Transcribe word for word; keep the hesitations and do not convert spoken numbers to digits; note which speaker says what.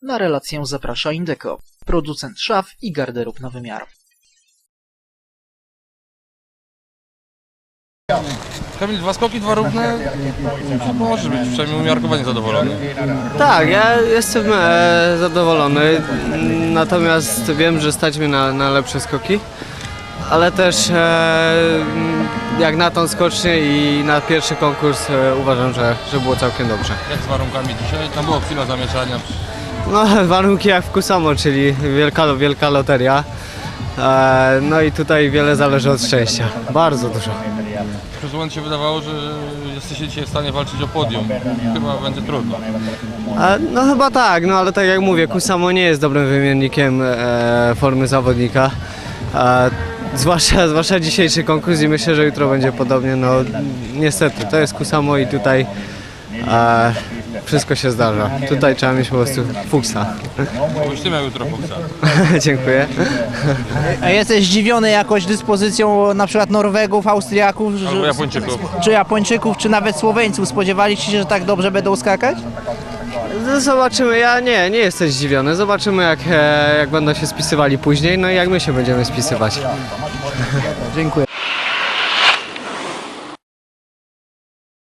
Speaker 1: Na relację zaprasza Indeco, producent szaf i garderób na wymiar.
Speaker 2: Kamil, dwa skoki, dwa równe, może być przynajmniej umiarkowanie zadowolony.
Speaker 3: Tak, ja jestem e, zadowolony, natomiast wiem, że stać mnie na, na lepsze skoki, ale też e, jak na tą skocznię i na pierwszy konkurs e, uważam, że, że było całkiem dobrze.
Speaker 2: Jak z warunkami dzisiaj? Tam była chwila zamieszania.
Speaker 3: No, warunki jak w Kusamo, czyli wielka, wielka loteria. E, no i tutaj wiele zależy od szczęścia, bardzo dużo.
Speaker 2: Przez moment się wydawało, że jesteście dzisiaj w stanie walczyć o podium. Chyba będzie trudno.
Speaker 3: E, no chyba tak, no ale tak jak mówię, Kusamo nie jest dobrym wymiennikiem e, formy zawodnika. E, zwłaszcza, zwłaszcza dzisiejszy konkurs i myślę, że jutro będzie podobnie. No niestety, to jest Kusamo i tutaj e, wszystko się zdarza. Tutaj trzeba mieć po prostu fuksa.
Speaker 2: Byś ty miał jutro fuksa.
Speaker 3: Dziękuję.
Speaker 4: A jesteś zdziwiony jakoś dyspozycją na przykład Norwegów, Austriaków, że-
Speaker 2: Albo Japończyków.
Speaker 4: czy Japończyków, czy nawet Słoweńców? Spodziewaliście się, że tak dobrze będą skakać?
Speaker 3: No, zobaczymy, ja nie, nie jestem zdziwiony. Zobaczymy jak, e, jak będą się spisywali później, no i jak my się będziemy spisywać.
Speaker 4: Dziękuję.